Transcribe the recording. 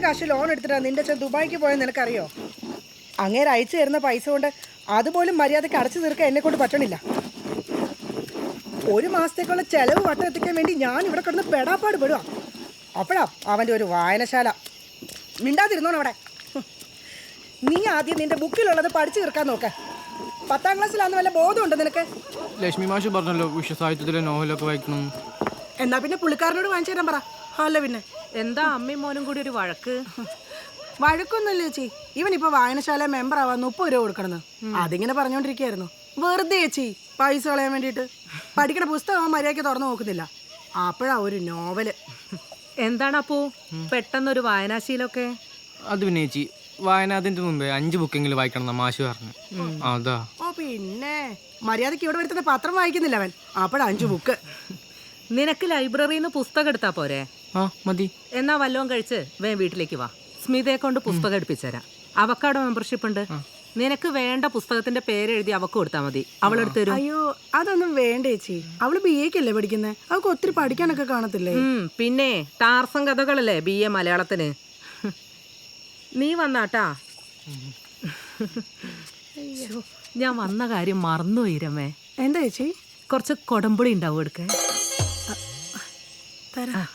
കാശ് ലോൺ എടുത്തിട്ടാ നിന്റെ അച്ഛൻ ദുബായിക്ക് പോയെന്ന് നിനക്കറിയോ? അങ്ങേര് അയച്ചു തരുന്ന പൈസ കൊണ്ട് അതുപോലും മര്യാദയ്ക്ക് അടച്ചു തീർക്കാൻ എന്നെ കൊണ്ട് പറ്റണില്ല. ഒരു മാസത്തേക്കുള്ള ചെലവ് വട്ടം എത്തിക്കാൻ വേണ്ടി ഞാൻ ഇവിടെ കിടന്ന് പെടാപ്പാട് പെടുക. അപ്പോഴാ അവൻ്റെ ഒരു വായനശാല. മിണ്ടാതിരുന്നോണം അവിടെ. നീ ആദ്യം നിന്റെ ബുക്കിലുള്ളത് പഠിച്ചു തീർക്കാൻ നോക്ക്. 10ാം ക്ലാസ്സിലാന്ന് വല്ല ബോധമുണ്ടോ നിനക്ക്? ലക്ഷ്മി മാഷ് പറഞ്ഞല്ലോ വിശ്വസാഹിത്യത്തിലെ നോവലൊക്കെ വായിക്കണം. എന്നാ പിന്നെ പുള്ളിക്കാരനോട് വാങ്ങിച്ചു തരാൻ പറ. അല്ല പിന്നെ എന്താ അമ്മയും മോനും കൂടി ഒരു വഴക്ക്? വഴക്കൊന്നുമില്ല ചേച്ചി. ഇവനിപ്പോ വായനശാല മെമ്പർ ആവാൻ 30 രൂപ കൊടുക്കണമെന്ന് അതിങ്ങനെ പറഞ്ഞോണ്ടിരിക്കുകയായിരുന്നു. വെറുതെ ചേച്ചി പൈസ കളയാൻ വേണ്ടിയിട്ട്. പഠിക്കണ പുസ്തകം മര്യാദയ്ക്ക് തുറന്നു നോക്കുന്നില്ല. അപ്പോഴാ ഒരു നോവല്. എന്താണ് അപ്പോ പെട്ടെന്നൊരു വായനാശീലമൊക്കെ? അത് പിന്നെ ചേച്ചി വായനാതിന്റെ മുമ്പേ 5 ബുക്കെങ്കിലും വായിക്കണം എന്നാ മാഷ് പറഞ്ഞു. അതാ. ഓ പിന്നെ മര്യാദയ്ക്ക് ഇവിടെ വരുത്തുന്ന പത്രം വായിക്കുന്നില്ല അവൻ. അപ്പോഴാ 5 ബുക്ക്. നിനക്ക് ലൈബ്രറിയിൽ നിന്ന് പുസ്തകം എടുത്താ പോരെ? ആ മതി. എന്നാ വല്ലതും കഴിച്ച് വീട്ടിലേക്ക് വാ. സ്മിതയെ കൊണ്ട് പുസ്തകം എടുപ്പിച്ചുതരാം. അവക്കാടോ മെമ്പർഷിപ്പ് ഉണ്ട്. നിനക്ക് വേണ്ട പുസ്തകത്തിന്റെ പേര് എഴുതി അവക്ക് കൊടുത്താൽ മതി. അവളെടുത്ത് തരും. അയ്യോ അതൊന്നും വേണ്ട ചേച്ചി. അവള് BA ക്കല്ലേ പഠിക്കുന്നത്. അവൾക്ക് ഒത്തിരി പഠിക്കാനൊക്കെ കാണത്തില്ലേ? പിന്നെ ടാർസം കഥകളല്ലേ BA മലയാളത്തിന്. നീ വന്നാട്ടാ. ഞാൻ വന്ന കാര്യം മറന്നുപോയി രമേ. എന്താ ചേച്ചി? കുറച്ച് കൊടമ്പുളി ഉണ്ടാവും എടുക്കാൻ. തരാം.